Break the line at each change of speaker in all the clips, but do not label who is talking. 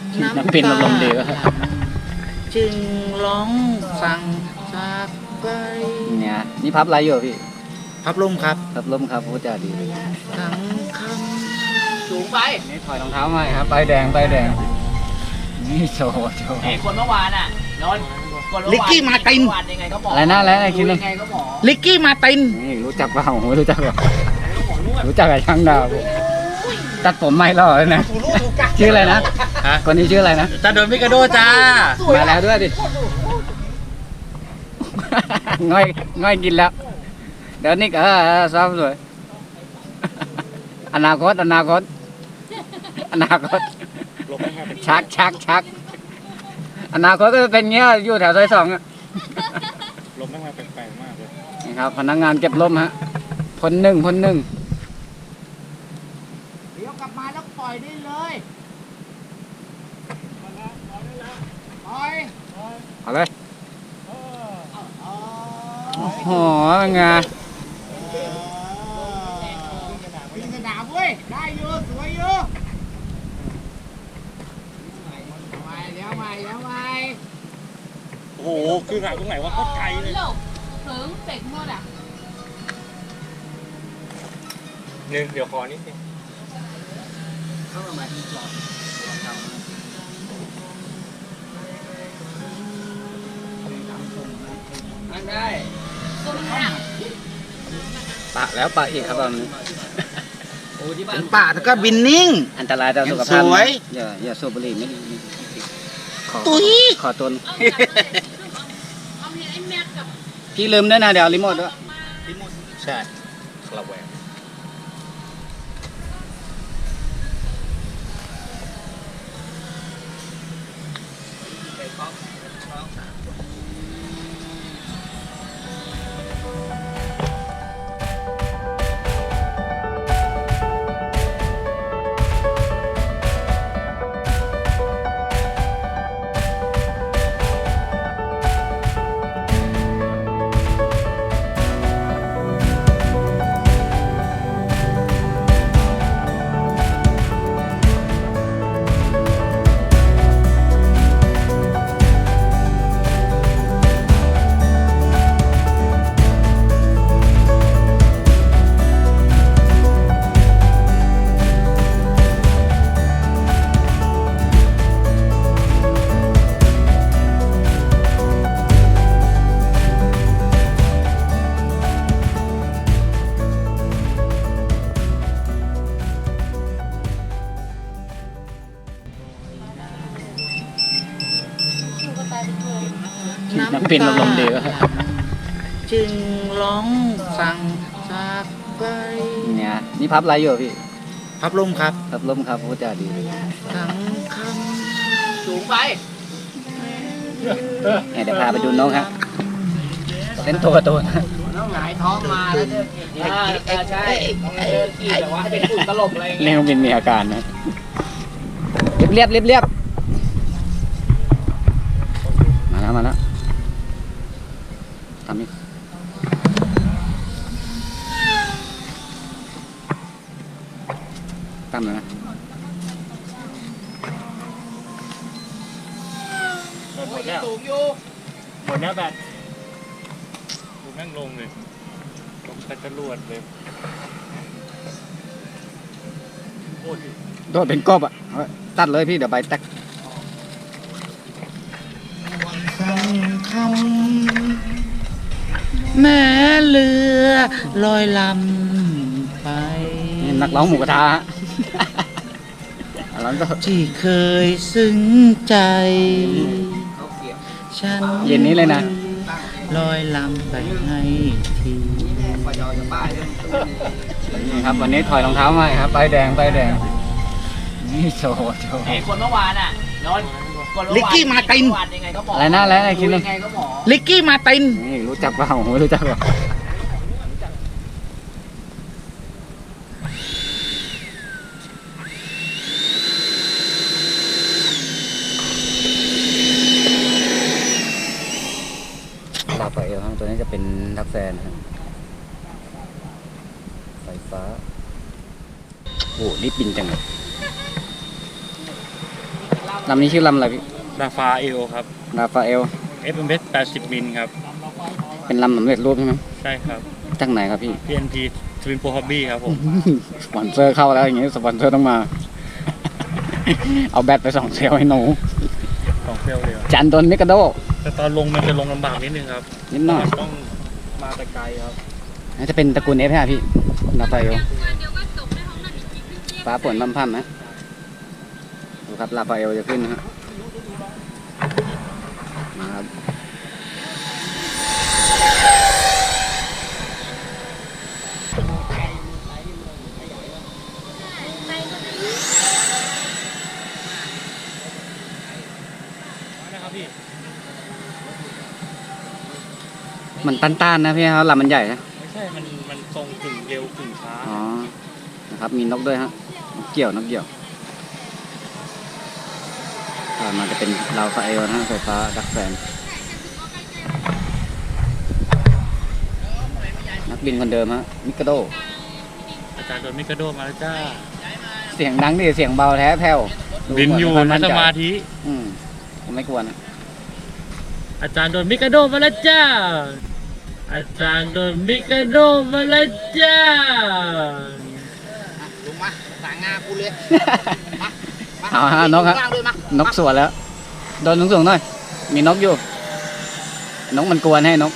น้ำปิ่นอารมณ์ดีวะ
จึงร้องสั่งจากไป
เนี่ยนี่พับอะไรอยู่พี่
พับลมครับ
พับล้มครับพูดจาดี
ทั้งค
สูงไป
นี่ถอยรองเท้ามาครับใบแดงใบแดงนี่โชว์
ไอ้คนเมื่อวานอ่ะนนท์คน
ำ
เมื่
ลิก
อวาน
กี้มาติน
เมื่อวานยังไงก็บอก
อะไรนะอะไรนะคิด
ยั
เลย
งไงก็บอก
ลิกกี้มาติน
นี่รู้จักเปล่าไม่รู้จักเปล่ารู้จักกับช่างดาวตัดผมไม่หล่อเลยนะชื่ออะไรนะคนนี้ชื่ออะไรนะ
จะโดนมิกาโดจ้า
มาแล้วด้วยดิง่อยกินแล้ว เดี๋ยวนี้ก็ซ้อมสวยอนาคตชักอนาคตก็จะเป็นเงี้ยอยู่แถวซอย 2อ่ะ
ลมแม่งมาแปลกๆมากเลย
นี่ครับพนักงานเก็บลมฮะพ่นหนึ่ง
เดี๋ยวกลับมาแล้วปล่อยได้เลยปล่อย
เอาเลยโอ้โหเป็นไง
วิ่งกระดาษเว้ยได้อยู่สวยอยู่ใหม่แล้วใหม่
โอ้โห คือหาตรงไหนว่าก็ไกลเลย
ถึงเสกหมดอ่ะ
หนึ่งเดี๋ยวขอนิดนึง
นั่งได้
ตัวมันหนัก
ปะแล้วปะอีกครับตอนนี้
โอ้ที่บ้า
เป็น นป่าแล้วก็บินนิ่ง
อันตรายต่อสุขภาพ
สวย
นะอย่าสูบบุหรี่ไม่ดีขอ
ตุ้ย
ขอตน
เอาเห็นไอ้แม็กกับ
พี่ลืมด้วยนะเดี๋ยวเอารีโมทด้วย
ใช่คาราแวง
น้ำปิ่นอารมณ์ดีวะ
จึงร้องสั่งจากไป
เนี่ยนี่พับอะไรอยู่พี่
พับลมครับ
พับล้มครับพูดจาดี
ทั้งค
สูงไป
เนี่ยเดี๋ยวพาไปดูน้องฮะเต้นตัวตัวนะ
ต้องหงายท้องมาแล้วเดินใช่เดินขี่แบบว่าให้เป็นฝุ่นตลบอะไรอย่าง
เรี
เงี้
ย
ย
กบินมีอาการนะเรียบมาแล้วทำอีกตั้มเลยนะ
หมดแล้ว
สูงอยู่
หมดแล้วแบตดูแม่งลงเลยลงแต่จรวดเลยโอ้ย
โดดเป็นกบอ่ะเอาไว้ตัดเลยพี่เดี๋ยวใบแตก
ำสั่งคำแม่เรือลอยลำไป
นี่นักร้องหมูกระทะฮะร้องก็
ที่เคยซึ้งใจ ฉัน
เย็นนี้เลยนะ
ลอยลำไปให้ที
นี่ครับวันนี้ถอยรองเท้ามาครับใบแดงนี่โชว์
ไอ้คนเมื่อวานอ่ะนนท์คนเมื่อวาน
ลิกกี้มาติน
เมื่อวานยังไงก็บอก
อะไรนะอะไรนะคิดเลย
ยังไงก็บอก
ลิกกี้มาติน
นี่รู้จักเปล่าไม่รู้จักเปล่าลาไปเอลครับตัวนี้จะเป็นทักแซนนะครับไฟฟ้าโอ้รีบบินจังเลยลำนี้ชื่อลำอะไรพี่
ราฟาเอลครับ
ราฟาเอล
FMS 80 มิลครับ
เป็นลำสำเร็จรูปใช่ไหม
ใช่ครับ
จากไหนครับพี่
PNP Twin Pro Hobby ครับผม
สปอนเซอร์เข้าแล้วอย่างงี้สปอนเซอร์ต้องมา เอาแบตไป2 เซลล์ให้หนู
ของเซลเลย
จันโดนมิกาโด
แต่ตอนลงมันจะลงลำบากนิดนึงครับ
นิดหน่อย
ต้องมาแต่ไกลครับ
น่าจะเป็นตระกูลเอฟฮะพี่ราฟาเอล
เดี๋ยวก็จบในห้องนั้นอีกทีครึ่งเที่ยง
ฟ้าฝนพั่มๆนะดูครับราฟาเอลจะขึ้นนะฮะมาครับ
นะครับพี่
มันต้านๆนะพี่ครับลำมันใหญ่นะ
ไม่ใช่ มันทรงกึ่งเร็วกึ่งช้า
อ๋อนะครับมีนกด้วยฮะนกเกี่ยวนกเกี่ยวมันจะเป็นราฟาเอลนะฮะไฟฟ้าดักแสงนักบินคนเดิมฮะมิกาโด
อาจารย์โดนมิกาโดมาแล้วจ้า
เสียงดังดิเสียงเบาแท้แผ่ว
บินอยู่
ดูเห
นะ
มั่
ส
ใจ
มาธิ
ผมไม่กลัวนะ
อาจารย์โดนมิกาโดมาแล้วจ้า อาจารย์โดนมิกาโดมาแล้วจ้า
ลงมาสั่งงากูเลย
เอาฮะนกฮะ
ว่างด้วยมาน
กสวนแล้ว โดนสูงๆหน่อย มีนกอยู่ นกมันกวนให้นก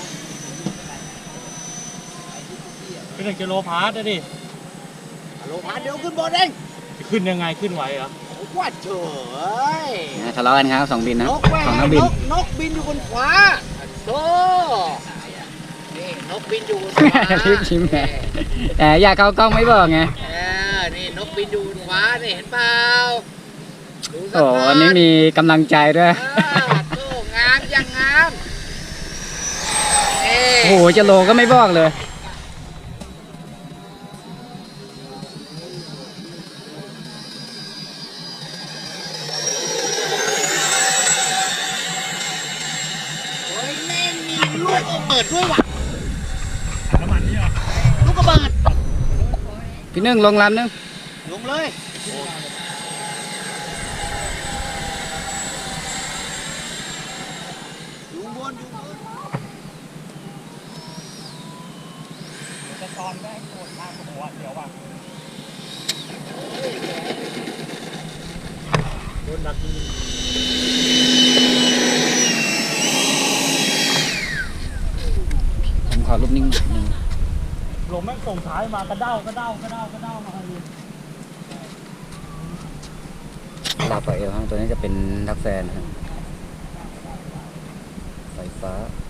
เป็น1 กิโลพาร์ตดิ
ลงมาเดี๋ยวขึ้นบนเอง
ขึ้นยังไงขึ้นไหวเหรอ
ว่าเฉย
ทะเลาะกันครับ2 บินนะ
นกแม่
สองนักบิน
นกบินอยู่บนฟ้าโธ่นี่นกบินอยู่บนฟ้า
รีบชิมไงแต่อยากเข้ากล้องไม่บอกไง
นี่นกบินอยู่บนฟ้านี่เห็นเปล่าดูสัก
โอ้วันนี้มีกำลังใจด้วย
โธ่งามยังงามนี่
โอ้โหจะโลก็ไม่บอกเลย
โอ้ยแม่งมีลูกระเบิดด้วยว่ะ
น้ำมันนี่เหรอ
ลูกระเบิด
พี่นึ่งลงลำนึง
ลงเลยอยู่บนอยู่บน
จะตอนแรกโกรธมากหัวเดี๋ยวว่ะโดนดักยิง
ผมขอรูปนิ่งหนึ่ง
ลมแม่งส่งท้ายมากระเด้ากระเด้ากระเด้ากระเด้ามาเลย
ลาฟาเอลฮะตัวนี้จะเป็นดักแฟนนะครับไฟฟ้า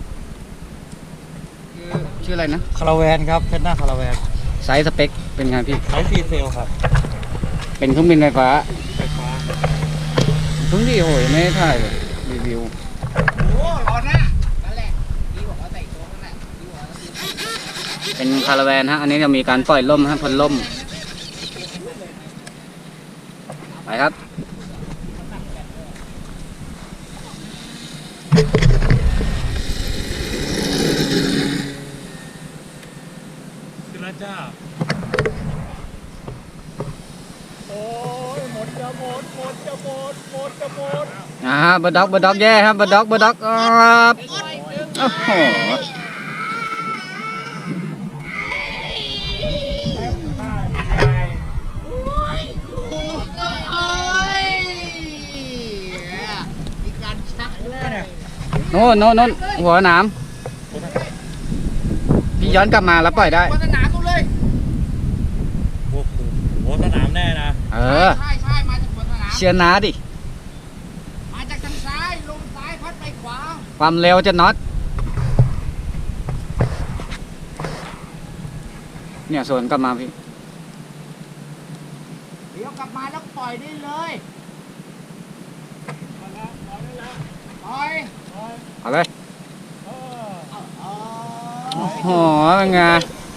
ชื่ออะไรนะ
คาราแวนครับเส้นหน้าคาราแวน
ไซส์สเปคเป็นไงพี่
ใช้ซีเซลครับ
เป็นเครื่องบินไฟฟ้า
ไฟฟ้า
เพิ่งดีโหยไม่ได้ถ่ายเลยรีวิว
โอ้รอหน้านั่นแหละดีกว่าเขาใส่ตัวนั่นแหละดีกว่าเขา
เป็นคาราแวนฮะ อันนี้จะมีการปล่อยล่มฮะพ่นล่ม ไปครับ
ขึ้นแล้วจ้า โอ้ยหมดจะหมดหมดจะหมดหมดจะหมด
ฮะบด็อกแย่ครับบด็อกครับโอ้โห
มีการชักด้วย
โน่นหัวหนามพี่ย้อนกลับมาแล้วปล่อยได้
วัฒนากูเลย
โอ้โหโหสนามแน่นะ
เออ
ใช่มาจากวัฒนา
เชียร์น้าดิ
มาจากทางซ้ายลงซ้ายพัดไปขวา
ความเร็วจะน็อต เนี่ยสวนกลับมาพี่
เดี๋ยวกลับมาแล้วปล่อยได้เลยปล่อย
เอาเลย
เออ
โอ้โหเป็นไง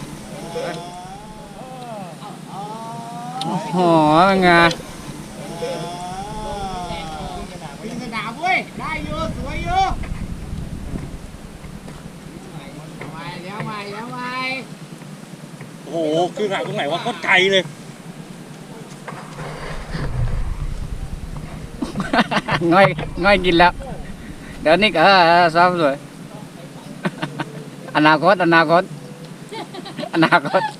โอ้โหเป็นไง
วิ่งสนามเว้ยได้เยอะสวยเยอะมาแล้วมาแล้วมา
โอ้โหคือหาตรงไหนว่าโคตรไกลเลย
ง่อยกินแล้ว เดี๋ยวนี้ก็ซ้อมเลยอนาคต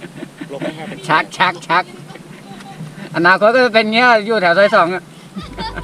ชักอนาคตก็จะเป็นเงี้ยอยู่แถวซอย2อะ